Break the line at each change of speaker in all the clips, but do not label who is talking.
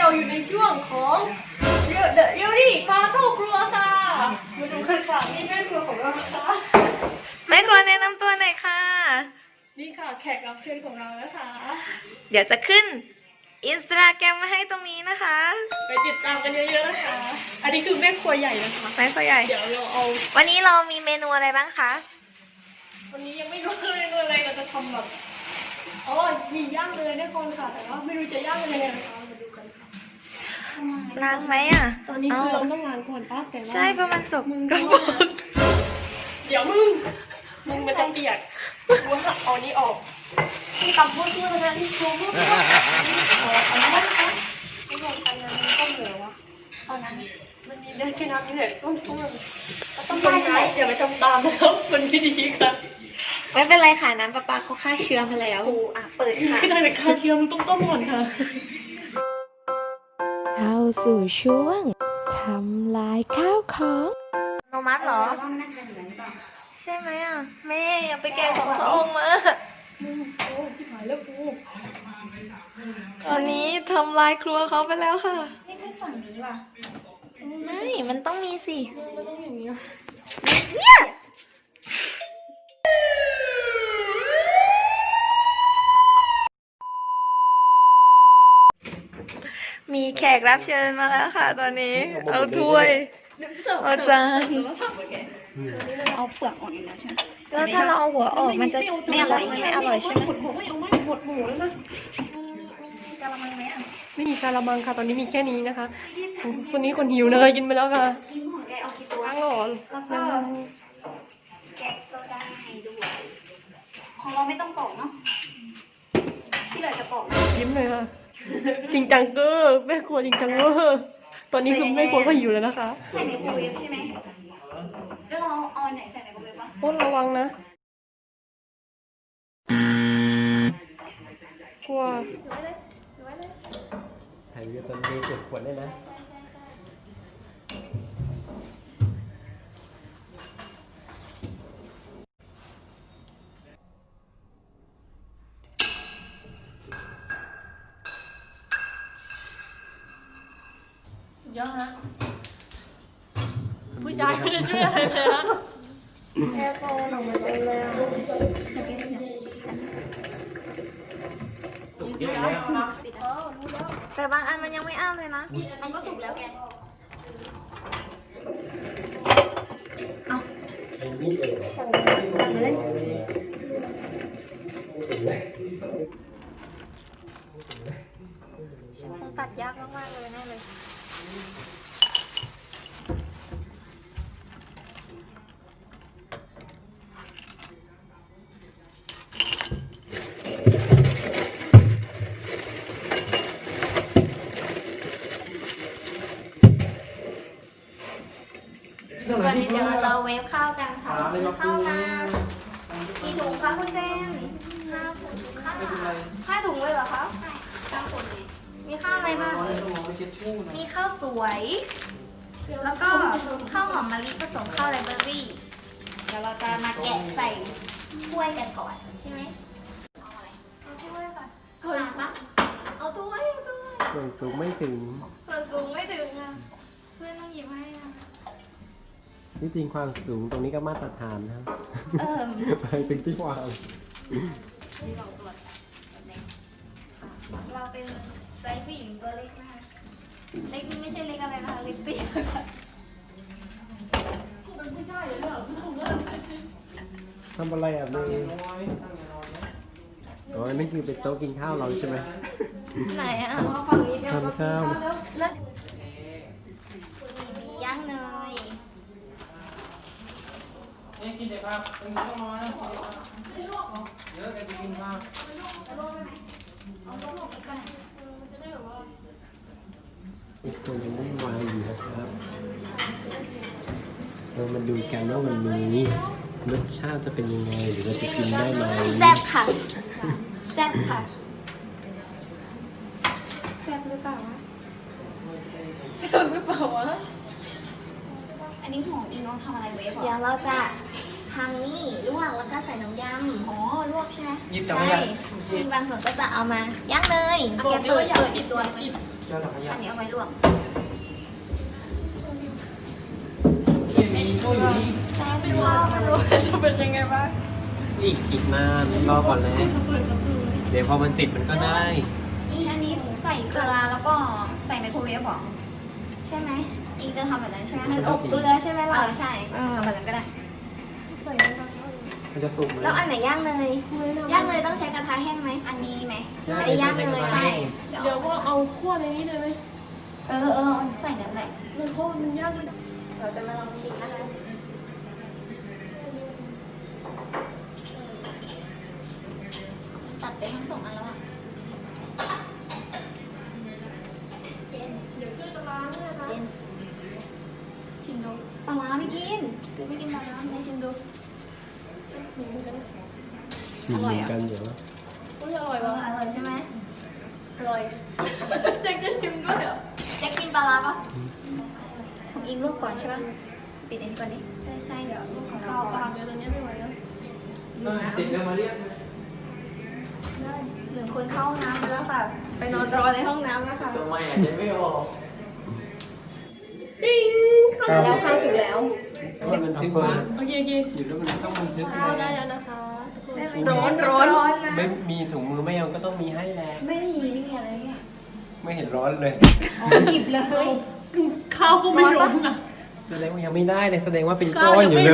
เราอยู่ในช่วงของเดอะยูรี่พาเข้าครัวค่ะมาดูกันค่ะนี่แม่ครัวของเราค่ะ
แม่ครัวแนะนำตัวหน่อยค่ะ
นี่ค่ะแขกรับเชิญของเรานะคะ
เดี๋ยวจะขึ้นอินสตาแกรมมาให้ตรงนี้นะคะ
ไปติดตามกันเยอะๆนะคะ อันนี้คือแม่ครัวใหญ่นะคะ
แม่ครัวใหญ่
เดี๋ยวเราเอา
วันนี้เรามีเมนูอะไรบ้างคะ
วันนี้ยังไม่รู้เลยอะไรเราจะทำแบบอ๋อมีย่างเลยแน่นอนค่ะแต่ว่าไม่รู้จะย่างยังไงนะคะมาดูกันค่ะ
ล้างไหมอ่ะ
ตอนนี้คือเราต้องล้างก่อนป้าแต่ว่า
ใช่เพราะมันสก
มึง
กระ
ก็
ปรก
เดี๋ยวมึงมันจะเปียกกูหักเอานี้ออกตำพวกตัวนะที่โชว์พวกตัวเอาน้ำนะคะไม่ลองทำน้ำต้มเหลวอะเอาน้ำมันมีได้แค่น้ำนี่แหละต้มต้องคนร้ายอย่าไปทำตามนะครับมันไม่ดีค่ะ
ไม่เป็นไรค่ะน้ำประปาเขาฆ่าเชื้อมาแล้วเปิดค่ะ
ไม่ได้เลยค่ะเชียร์มันต้องต้มก่อนค่ะ
เข้าสู่ช่วงทำลายข้าวของ
โนมัสเหรอ ใช่ไหมอ่ะแม่อย่าไปแกะของพระองค์มา
โอ้ชิบหายแล้วกู
ตอนนี้ทำลายครัวเขาไปแล้วค่ะ
นี่ขึ้นฝั่งนี้ว่ะ
ไม่ มันต้องมีสิ
มันต้องอย่างนี้
มีแขกรับเชิญมาแล้วค่ะ ตอนนี้ เอาถ้วย เอาจาน
เอาเปลือกออกอย่างเดียวใช่ไหม
ก็ถ้าเราเอาหัวออกมันจะไม่อร่อยไม่อร่อยใช่ไหม
หมดหัวไม่เอาไม่หมดหมูแล้วนะ
มีกะละมังไหมอ่ะ
ไม่มีกะละมังค่ะ ตอนนี้มีแค่นี้นะคะ คนนี้คนหิวนะคะกินไปแล้วค่ะ
กินของแกเอากี่ตัว
ล้างหรอ
แล้วก็แกะโซดาให้ด้วยของเราไม่ต้องปอกเนาะที่เหลือจะปอก
ยิ้มเลยค่ะ จริงจังเกอร์แม่ครัวจริงจังเวอร์ตอนนี้คือแม่ครัวก็หิวแล้วนะคะ
ใส่ไมโครเวฟใช่ไหมแล้วเราเอาอันไหนใส่ไมโครเวฟวะ
โอ้ระวังนะกลัว
ถ่ายวิดีโอตอนนี้เก็บขวดได้นะ
สุดยอดฮะผู้ชายไม่ได้ช่วยอะไรเลยฮะ
แอร์โฟนออกมาเต็มเลยอ่ะ
มีเสียงนะอ๋อรู้แล้ว
แต่บางอันมันยังไม่อ้าเลยนะ
มันก็สุกแล้วแก
ฉันคงตัดยากมากๆเลยแน่เลย วันนี้เดี๋ยวเราจะเอาเวฟข้าวกันค่ะซื้อข้าวมากี่ถุงคะคุณเจน5 ถุงเลยเหรอคะมีข้าวอะไรบ้างมีข้าวสวย แล้วก็ข้าวหอมมะลิผสมข้าวไรเบอรี่เดี๋ยวเราจะมาแกะใส่ถ้วยกันก่อนใช่ไหมเอาอะไรเอาถ้วยค่ะส่วนปะเอาถ้วยเอาถ้วย
ส่วนสูงไม่ถึง
ส่วนสูงไม่ถึงอ่ะเพื่อนต้องหยิบให้นะ
ที่จริงความสูงตรงนี้ก็มาตรฐานนะ ไปถึงที่วาง
เราเป็นไซส์ผู้หญิงตัวเล็กนะคะเล็กนี่ไม่ใช่เล็กอะไรนะคะเล็กเตี้ยค่ะ
เป็นผู้ชายเลยเหรอผู้ชมเลย
ทำอะไรอ่ะเมย์อ๋อนั่นคือเป็นโต๊ะกินข้าวเราใช่ไหม
ไหนอ่ะมาฝั่งนี้เดี๋ยวก็
ทำข้าว
กินข้าวแล้วมีย่างเนย
นี่กินแต่ครับเป็นข้าวน้อยนะเยอะแกจะกินข้าว
อีกคนยังไม่วางอยู่นะครับ เรามาดูกันว่าวันนี้รสชาติจะเป็นยังไงหรือเราจะกินได้ไหม
แซ่บค่ะแซ่บค่ะแซ่บหรือเปล่าวะแซ่บหรือเปล่าวะ
อันนี้หอมดีเน้องทำอะไรเวฟ
เดี๋ยวเราจะทำนี่ลวกแล้วก็ใส่น้ำยำ
อ๋อลวกใช่ไหม
หยิบแต่
ใช่
ไม่อยาก
มีบางส่วนก็จะเอามาย่างเนยเอา
บอ
แก
ก
เปิด
ว่าอยาก
เปิด
กิ
อี
น
กตัว
กิน
เจ้าถังขยะ
อันนี้เอาไว้ลวก
มีช่วยอยู่นี่
แซ่บข้าวไม่รู้จะเป็นยังไงบ้าง
อีกนานรอก่อนเลยเดี๋ยวพอมันเสร็จมันก็ได้
อีอันนี้ใส่เกลือแล้วก็ใส่ไมโครเวฟหรอใช่ไหมอีจะทำแบบนั้นใช่ไหม
มันอบเกลือใช่ไหมล่ะ
ใช่ทำแบบนั้นก็ได้
ใส่น้ำมัน
มันจะสุกไหม
แล้วอันไหนย่างเนยย่างเนยต้องใช้กระทะแห้งไหม
อันนี้ไหม
ใช่
อันนี้ย่างเลย
ใช่
ใช่
เดี๋ยวก็เอาคั่วในนี้เลยไหม
ใส่นั่นแหละ
มันคั่วมันยาก
เราจะมาลองชิมนะคะตัดไปทั้งสองอันแล้วอ่ะเจน
เดี๋ยวช่วยจะล้างด้วยนะคะ
เจนชิมดูปลาร้าไม่กินเจนไม่กินปลาร้าไหนชิมดู
หนูเหมือนกัน
ชิมเหมือนกันเดี๋ยว
อุ๊ยอร่อย
อ
ปะ
ร่อยใช่ไหม
อร่อย
เจ๊จะชิมด้วยเหรอเจ๊กินปลาร้าปะของอิงลวกก่อนใช่ปะปิดอันนี้ก่อนดิใช่เดี๋ยวลวกของ
ข้า
เรา
ว
ก่
ป
อ
ลาน เดี๋ยวตอนนี้ไม่ไหวแล้ว
เสร็จแล้วมาเรียก
หนึ่งคนเข้าห้องน้ำไปแล้วค่ะ ไปนอนรอในห้องน้ำแล้วค่ะ
ทำไมหายใจไม่ออก
ติ้งข้าว
แล้วข้าวสุกแล้ว
มันบันทึกว่า
โอเค
อยู่แล้วมันต้องบันทึก
ข้าวได้
ไง
แล้วนะคะทุกคน
ได้ไหม
ร้อน
นะ
ไม่มีถุงมือไม่เอาก็ต้องมีให้แหละ
ไม่มีอะไรเนี่ย
ไม่เห็นร้อนเลย
หยิบเลย
ข้าวก็ไม่ร้อนนะ
แสดงว่ายังไม่ได้เลยแสดงว่าเป็นก้อนอยู่เลย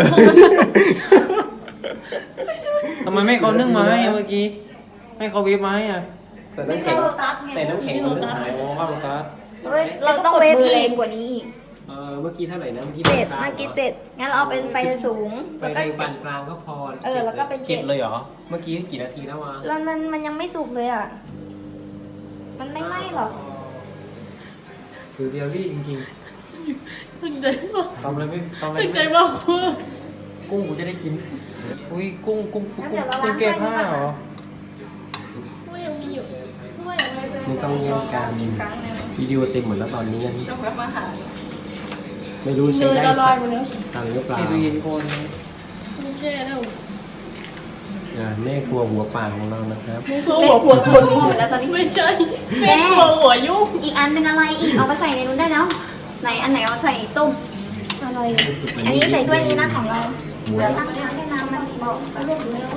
ทำไมไม่เขานึ่งมาให้เมื่อกี้ให้เขาวิบมาให้อ่ะ
แต่น้ำแข็งแต่น้ำแข็งมันหาย
โอ้ข้าวโลตัส
เฮ้ยเราต้องเวฟแรงกว่านี้อีก
เมื่อกี้เท่าไหร่นะเมื่อกี้
เจ็ด
ปานกลาง
เมื่อกี้เจ็ดงั้นเราเอาเป็นไฟสูง
ไฟ
แล้ว
แร
ก็
งปานกลางก็พอ
แล้วก็เป็นเจ็
เจ็
ด
ดเลยเหรอเมื่อกี้กี่นาทีแล้ววะ
แล้วนั้นมันยังไม่สุกเลยอ่ะ มันไม่ไหม้หรอก
คือเรียลลี่จริง
ตั้งใจมาก
ๆทำอะไรไม่ทำอะไร
ตั้งใจ
ไม่
มากคุณ
กุ้งกูจะได้กิน อุ้ยกุ้งแก้ผ้าเหรอ
ถ้วยยังมีอยู่ถ้วยยังไม่เจอ
ไม่ต้องเล่นกัน
อีกครั้งหนึง
วิดีโอเต็มหมดแล้วตอนนี้
ต้องรับอาหาร
ไม่รู้
เน
ใช้
ย
ได้
ละลา
สั
ย
ก
หมดแล้ว
ตังหรือเปล่า
ที่ตู้เย็นคน
ไม่แช่แล้ว
แม่ครัวหัวป่าของเรานะครับ
ไม่คือหัวปวดปวด
หมดแล้วตอนนี้
ไม่ใช่แม่ครัวหัวยุ่ง
อีกอันเป็นอะไรอีกเอาไปใส่ในนู้นได้แล้วไหนอันไหนเอาใส่ต้ม
อะไร
อันนี้ใส่ถ้วยนี้นะของเรา
เดี๋ยวตั้งน้ำให้น้ำมันบอก
จะเรียกหรือไม่รู้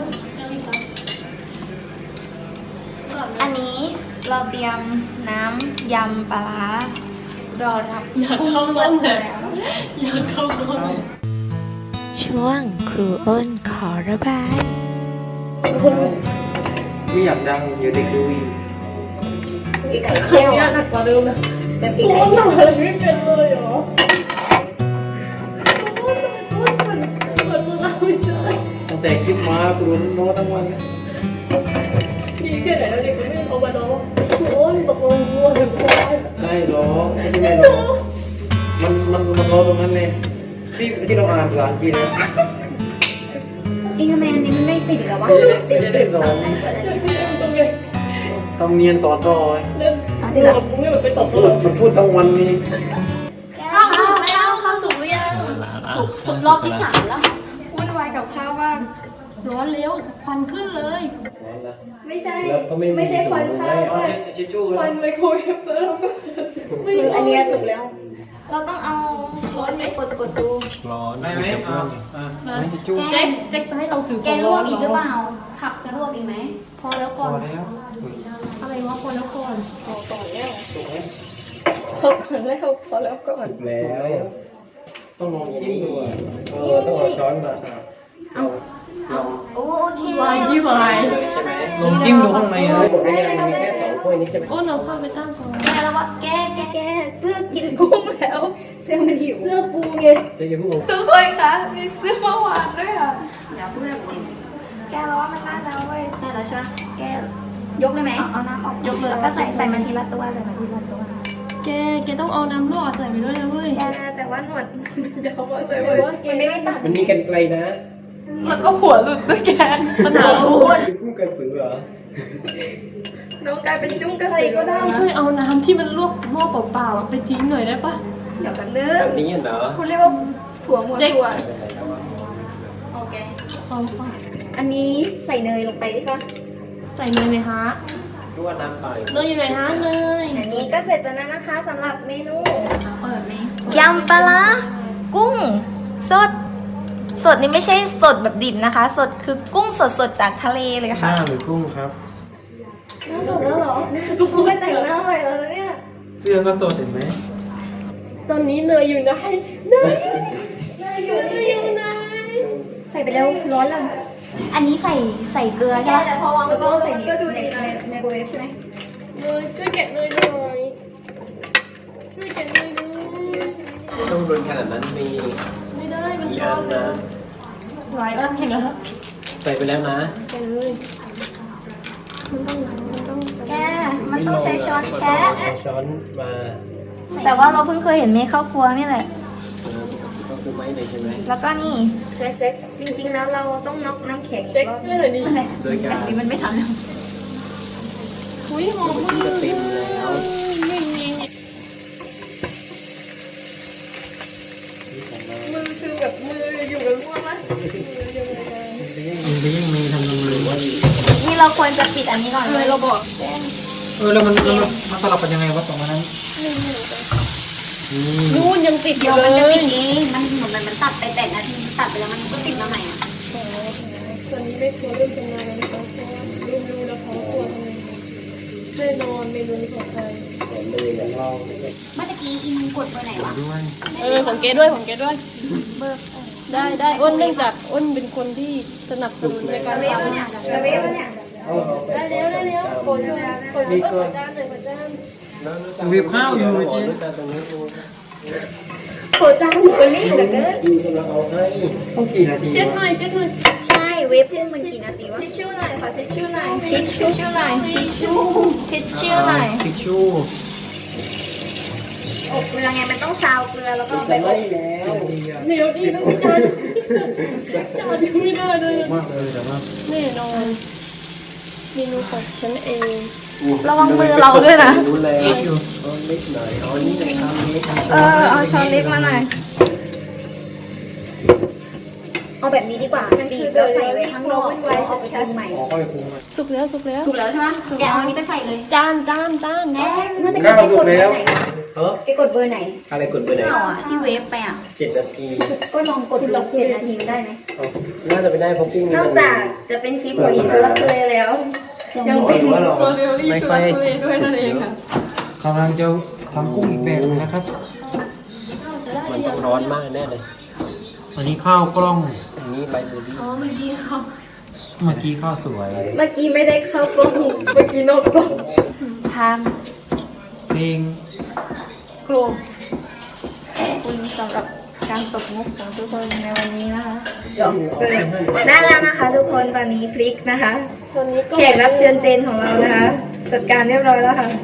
อันนี้เราเตรียมน้ำยำปลาร้ารอรับ
อยากเข้าร่วมเลยอยากเข้าร่วมเลย
ช่วงครูอ้นขอระบาย
ไม่อยากดังเดี๋ยวเด็กดูอีก
กินไข่
ครั้
เคี่
ง
ยว
นี้หนักกว่าเดิมนะ
แบบกิน
โอ้
ไข่
ย
เคี่ยว
อะไรไม่เป็นเลยเหรอโอ้ยมันเปิดตัวเราไม่ได้
ตั้งแต่คลิปมากูโดนโน้ตทั้งวันเลย
ดีแค่ไหนแล้วเด็กก็ไม่เอามาน้องโอ้ยตกลงวัวถึงควาย
ใช่ร้องไอ้ที่ไม่ร้องมันร้องตรงนั้นเลยที่เราอ่านภาษาอังกฤษนะ
อิงทำไมอันนี้มันไม่ติดเหรอวะ
ไม่ได้สอน
ตรงนี้
ทำเนียนสอนต่อ
เล่นดูกับมึงเนี่ยมันไปตบตัว
มันพูดทั้งวันนี้
ข้าวสุกแล้วข้าวสุกหรือยังสุกรอบที่3แล้ว
วุ่นวายกับข้าวมาก
ร้อนเร็วควันขึ้นเลย
ไม่ใช่
แล้วก็ไม่มี
ไม่ใช่ควันข้าว
เอา
ด้วย
ทิชชู่
ควันไมโครเวฟแล้วก็ไม่
คืออันเนี้ยสุกแล้ว
เราต้องเอาช้อนไปกดดู
ร้อน
ได้ไหม
จะ
อ่า
ไม่จะจุ๊บ
แก
แจ็คจะให้เราถือ
แกลวกอีกหรือเปล่าผักจะลวกอีกไหม
พอแล้ว
พ
ก่อ
อน แล้ว
อะไรวะพอแล้วก่อน
พอก่อนแล้ว
ถูกไหม
พอก่อนแล้วพอแล้วก่อน
ถูกแล้ว
ต้องลองจิ้มดูอ่ะ
ต้องเอาช้อนมา
ลอง
โอเค
วายชิวาย
ใช่ไหม
ลองจิ้มดูข้างในนะ
บอกได้ยังมันมีแค่2ถ้วยนี้ใช่ไหม
โอ้เราเข้าไปตั้งก่อน
แกแล้วว่าแก
แกเสื้อกินกุ้งแล้วเสื้อมันหิว
เสื้อกูไง
จะยังพูด
ทุกคนคะมีเสื้อเมื่อวานด้วยอ่ะอย่าพูดแบบนี้แกแล้วว่ามันได้แล้วเว้ยได้แล้วใช่ไหมแกยกได้ไหมเอาน้ำออกแล้วก็ใส่มันทีละตัวใส่มันทีละตัว
แกต้องเอาน้ำลวกใส่ไปด้วยนะเว้ย
แกแต่ว่าหนวดมันยาวมากเลย
แต่
เว้ย
ว่าแก
มันไม่ได้ตัด
มันมีกันไกลนะ
แล้วก็หัวหลุดด้วยแก
ปัญหาชู
พูดกันสือเหรอ
น้องกลายเป็นจุ้งกระ
ใคร
สือ
ก็ได้ช่วยเอาน้ำที่มันลวกหม้อเปล่าๆไปทิ้งหน่อยได้ปะ
เดี๋ยวกันนึง
แบบนี้เหรอ
คุณเรียกว่าถั่วหัวถั่ว
โอเค
เอา
อันนี้ใส่เนยลงไปได้ปะ
ใส่เนยไหมฮะ
รั่วน้ำไป
เนยอยู่ไหนฮะเนย
อันนี้ก็เสร็จแล้วนะคะสำหรับเมนูยำปลาร้ากุ้งสด สดนี่ไม่ใช่สดแบบดิบนะคะ สดคือกุ้งสดๆจากทะเลเลยค่ะ
หรือกุ้งครับ
น่าสดแล้วเหรอทุกคนไปแต่งหน้าใหม่แล้วเนี่ย
เสื้อก็สดเห็นไหม
ตอนนี้เนยอยู่ไหนเนยอยู่ไหน
ใส่ไปแล้วร้อนแล้วอันนี้ใส่เกลือใช่ไหมแต่พอวางแล้วก็ใส่ก็ดูดีในไมโครเวฟใช่ไหม
เนยช่วยแกะเนยหน่อยช่วยแกะเนยหน่อย
ไม่ต้องรุนขนาดนั้นมี
ไม่ได้มัน
กี่
ร้
อั
อน น
นะ
หลายอันอยู่นะ
ใส่ไปแล้วนะ
ใส่เลยมันต้อง
แกมันต้องใช้ช้อนแคะ
ใช้ช้อนมา
แต่ว่าเราเพิ่งเคยเห็นเมย์เข้าครัวนี่แหละ
ก็คือไม่เลยใช่ไหม
แล้วก็นี่
เช็คเช็ค
จริงๆแล้วเราต้องน็อกน้ำแข็งอี
เช็ค
กรอบ
ให้หน่อยดิ
โดยการ
นี่มันไม่ทันแล้ว
อุ้ยหอม
ที่จะเต็มแล้ว
นี่นี่ มือคือแบบมืออยู่กับร่วงมะ
มันไปยังมีทำทำไมวะ
นี่เราควรจะปิดอันนี้ก่อนเลยเราบอก
แล้วมันสลับกันยังไงวะตรงนั้นนี่
นู่นยังติดอ
เดี๋ย
ยู่
ว
เล
มันจะ
ย
ติดเองมันเหมือนมันตัดไปแต่นาทีตัดไปแล้วมันก็ติดมาใหม่อ่ะ
ตอนนี้ไม่กลัวเรื่องทำงานแล้วนะคะเพราะว่ารู้แล้วเขากลัวทำไงแน่นอนเมนูนี้ของใคร
เลยอย่างเรา
เมื่อกี้อินกดเบอร์ไหนวะ
ด้วย
ของเกด้วยของเกด้วยได้อ้นเนื่องจากอ้นเป็นคนที่สนับสนุนในการทำได้แล้วขอจานขอจานขอจานหน่อยขอจาน
วีบข้าวอยู่เมื่อกี้
ตรงนี้ดู
ขอจานหนูไปรีบเหลือเกิน
ดูกำลังเอาให้
ต้องกี่นาที
เช็ดหน่อยเช็ดหน่อย
ใช่เวฟซึ่งมันกี่นาทีวะทิชชู่หน่อยขอทิชชู่หน่อยทิชชู่หน่อยทิชชู่หน่อย
ทิชชู่
อบเกลือไงมันต้องซาวเกลือแล้วก็เอาไป
จะ
อบ
ไม่แล้ว
เดี๋ยวดีต้องจานจานที่ไม่ได้เลย
มากเลยแต่ว่า
แน่นอนเมนูของฉันเอง
ระวังมือเราด้วยนะ
รู้แล้วเอาเล็กหน่อยเอานี่จะทำเล็ก
เอาช้อนเล็กมาหน่อย
เอาแบบนี้ดีกว่าบีบแล้วใส่ไว้ข้างนอกแล้วเอาไปกินใหม่
อ๋อค่อยคุ้ม
สุกแล้วสุกแล้ว
ถูกแล้วใช่ไหมแกเอาอันนี้ไปใส่เลย
จาน
แน่เมื่อตะกี้แกกดเบอร์ไหน
เออ
แกกดเบอร์ไหน
อะไรกดไปไหน
ข้าวอ่ะที่เวฟไปอ่ะ
7 นาที
ก็ลองกดดู7 นาทีได้ไหม
น่าจะไม่ได้เพราะปิ้ง
นอกจากจะเป็นคลิปของอินทุลักทุเลแล้ว ยังเป็น
ตัวเร็วรีบ
ไม่ค่อยด้วยนั่นเองค่ะกำลังจะทำกุ้งอีกแบบนึงนะครับ
มันต้องร้อนมากแน่เลย
อันนี้ข้าวกล้อง
อันนี้ใบเบอร์รี่
เมื่อกี้ข้าวสวย
เมื่อกี้ไม่ได้เข้ากล้องเมื่อกี้นอกกล้องทาน
เพลง
โครม
ขอบคุณสำหรับการตกมุกของทุกคนในวันนี้นะคะได้แล้วนะคะทุกคนตอนนี้พริกนะคะ
ตอนนี้ก็
แขกรับเชิญเจนของเรานะคะ จัดการเรียบร้อยแล้วค่ะ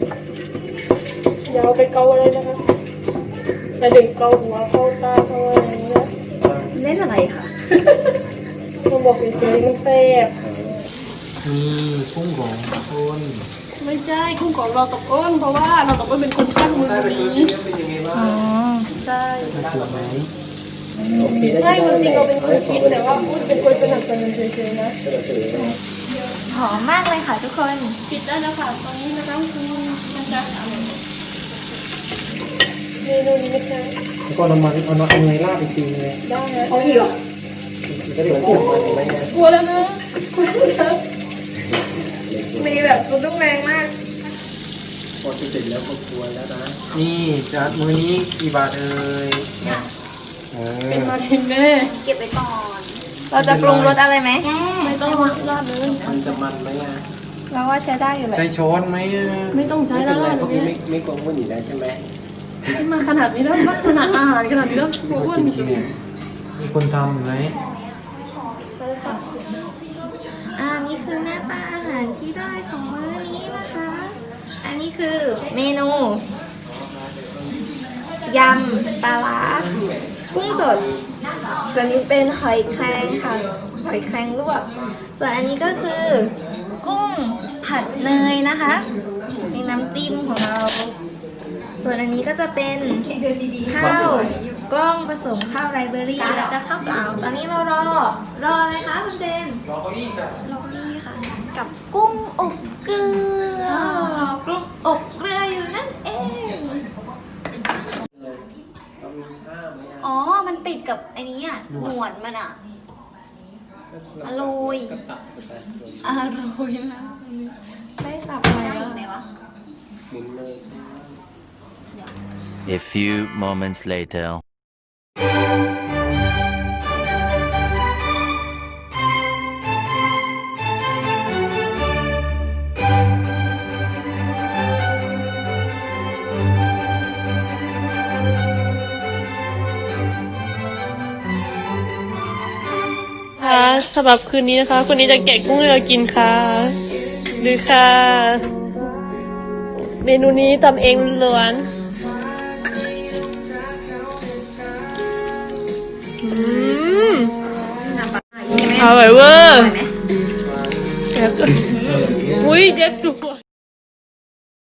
อย่าเอาไปเกาอะไรนะคะไปดึงเกาหัวเกาตาเกาอะไรอย่างนี้นะ
เล่นอะไรคะ
มันบอกเฉยๆมันแซ่บ
มีกุ้งของคน
ไม่ใช่กุ้งของเราตกอ้นเพราะว่าเราตกอ้นเป็นคนตั้งมือนี้
เป็นยังไงบ้าง
อ๋อ
ใช่
ถูกไหม
โอเคได้
ใช่จริงๆเราเป็นคนคิดแต่ว่าอ้นเป็นคนสนับสนุนเฉยๆนะ
หอมมากเลยค่ะทุกคน
ปิดได้แล้วค่ะตอนนี้นะคะคุณมันจะเมนูนี้นะคะ
แล้วก็เอาเนยราดอีกทีเลย
ได้นะ
เอาอีกเหรอ
ก็เดี๋ยวผมมาถึงไหมเนี่ย
กลัวแล้วนะกลัวแล้ว
มีแบบซุปลูกแรงมาก
พอเสร็จแล้วก็กลัวแล้วนะ
นี่จัดมื้อนี้กี่บาทเอ่ย
เป็นมาทินแม่
เก็บไว้ก่อน
เราจะปรุงรสอะไรไหม
ไม่ต้องราดเลย
มันจะมันไหมอ่ะ
เราว่าใช้ได้อยู่แหละ
ใช้ช้อนไหมอะ
ไม่ต้องใช้
ไม่
แล้
เป็นไร
ว
พวกนี้ไม่กลัววุ่นอยู่แล้วใช่ไหม
มาขนาดนี้แล้วมาขนาดอาหารขนาดนี้แล้วกลัวอ้วน
จริงๆเนี่ยมีคนทำไหม
นี่คือหน้าตาอาหารที่ได้ของมื้อนี้นะคะ อันนี้คือเมนูยำปลาร้ากุ้งสด ส่วนนี้เป็นหอยแครงค่ะ หอยแครงลวก ส่วนอันนี้ก็คือ กุ้งผัดเนยนะคะในน้ำจิ้มของเรา ส่วนอันนี้ก็จะเป็นข้าวกล้องผสมข้าวไรเบอรี่แล้วก็ข้าวเปล่า ตอนนี้เรารออะไรคะคุณเจน
รอเก้าอี้ค่ะ
รอนี่ค่ะ กับกุ้งอบเกลือกุ้งอบเกลืออยู่นั่นเอง อ๋อ มันติดกับไอ้นี้อ่ะ หนวดมันอ่ะ อร่อย อร่อยนะได้สับอะไรไหมวะ
A few moments later.
ค่ะสำหรับคืนนี้นะคะคนนี้จะแกะกุ้งให้เรากินค่ะดูค่ะ เมนูนี้ทำเองล้วนอร่อยเวอร์อุ้ยเด็กจุก